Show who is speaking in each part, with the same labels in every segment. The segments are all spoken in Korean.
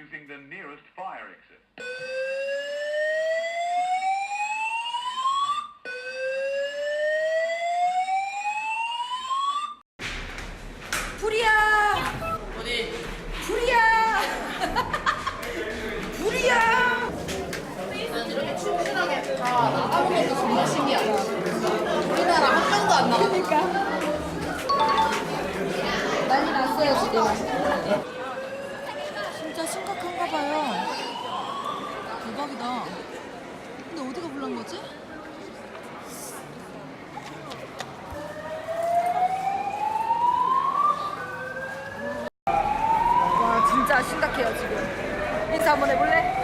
Speaker 1: using the nearest fire exit.
Speaker 2: 불이야!
Speaker 3: 어디?
Speaker 2: 불이야! 불이야!
Speaker 3: 난 이렇게 충실하게 다 나가는 것도 정말 신기하다. 우리나라 한 명도 안 나가.
Speaker 2: 그러니까 난리 났어요 지금. 진짜 심각한가 봐요. 대박이다. 근데 어디가 불난 거지? 와 진짜 심각해요 지금. 인사 한번 해볼래?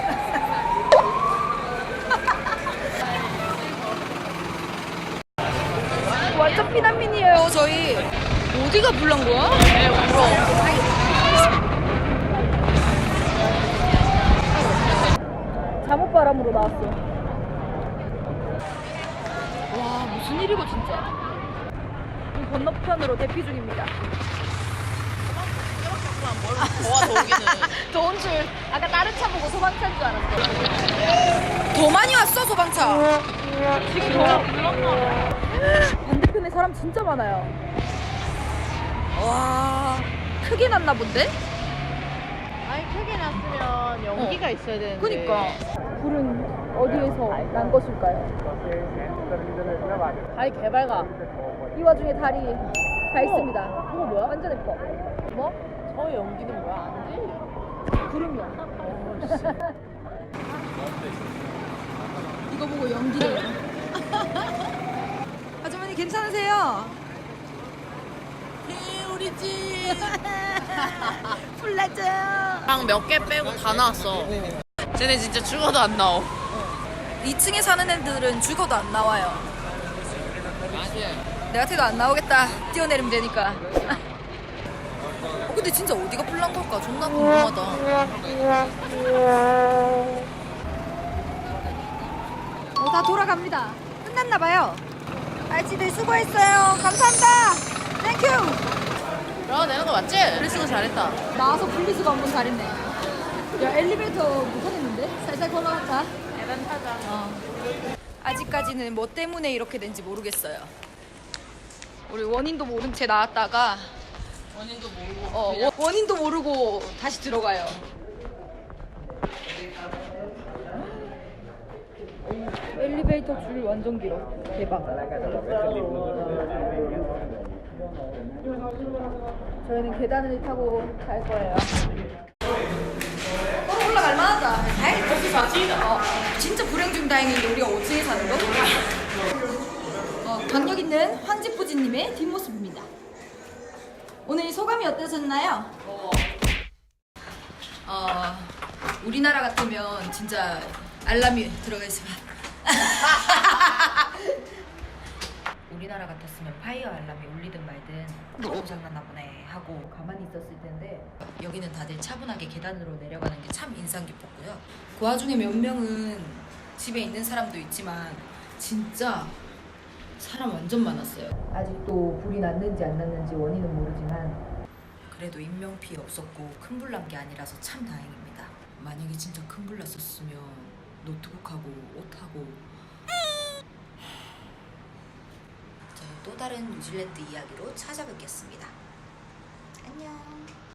Speaker 2: 완전 피난민이에요 저희. 어디가 불난 거야?
Speaker 3: 왜 울어?
Speaker 2: 잠옷바람으로 나왔어. 와 무슨 일이고 진짜. 이 건너편으로 대피 중입니다.
Speaker 3: 더워 더우기는.
Speaker 2: 더운 줄. 아까 다른 차 보고 소방차인 줄 알았어. 더 많이 왔어 소방차. 지금 더 불렀나? 반대편에 사람 진짜 많아요. 와 크게 났나 본데?
Speaker 3: 아니 크게 났으면 연기가 있어야 되는데.
Speaker 2: 그니까 불은 어디에서 난 것일까요?
Speaker 3: 다리 개발가.
Speaker 2: 이 와중에 달이 다 있습니다. 이거 뭐야? 완전 예뻐. 뭐?
Speaker 3: 저 연기는 뭐야? 안 돼.
Speaker 2: 구름이야. 이거 보고 연기래요. 아주머니 괜찮으세요?
Speaker 3: 네, 우리 집.
Speaker 2: 불났죠.
Speaker 3: 방 몇 개 빼고 다 나왔어. 쟤네 진짜 죽어도 안 나와.
Speaker 2: 2층에 사는 애들은 죽어도 안 나와요.
Speaker 3: 맞아.
Speaker 2: 내 같아도 안 나오겠다. 뛰어내리면 되니까. 근데 진짜 어디가 불난 걸까? 존나 궁금하다. 다 돌아갑니다. 끝났나 봐요. 알지들 수고했어요. 감사합니다. 땡큐.
Speaker 3: 야, 내는 거 맞지? 그리스도 잘했다.
Speaker 2: 나와서 분리수거 한번 잘했네. 야 엘리베이터 못하겠는데? 살살 걸어갔다.
Speaker 3: 계단 타자.
Speaker 2: 아직까지는 뭐 때문에 이렇게 된지 모르겠어요. 우리 원인도 모른 채 나왔다가
Speaker 3: 원인도 모르고.
Speaker 2: 원인도 모르고 다시 들어가요. 엘리베이터 줄 완전 길어. 대박. 저희는 계단을 타고 갈 거예요. 올라갈 만하다.
Speaker 3: 거기 자지다.
Speaker 2: 진짜 불행 중 다행인데 우리가 5층에 사는 거? 강력 있는 황지포지님의 뒷모습입니다. 오늘 소감이 어떠셨나요? 우리나라 같으면 진짜 알람이 들어가 있으면 우리나라 같았으면 파이어 알람이 울리든 말든 고장났나 보네 하고 가만히 있었을 텐데 여기는 다들 차분하게 계단으로 내려가는 게 참 인상 깊었고요. 그 와중에 몇 명은 집에 있는 사람도 있지만 진짜 사람 완전 많았어요. 아직도 불이 났는지 안 났는지 원인은 모르지만 그래도 인명 피해 없었고 큰 불 난 게 아니라서 참 다행입니다. 만약에 진짜 큰 불 났었으면 노트북하고 옷하고 저는 또 다른 뉴질랜드 이야기로 찾아뵙겠습니다. 안녕.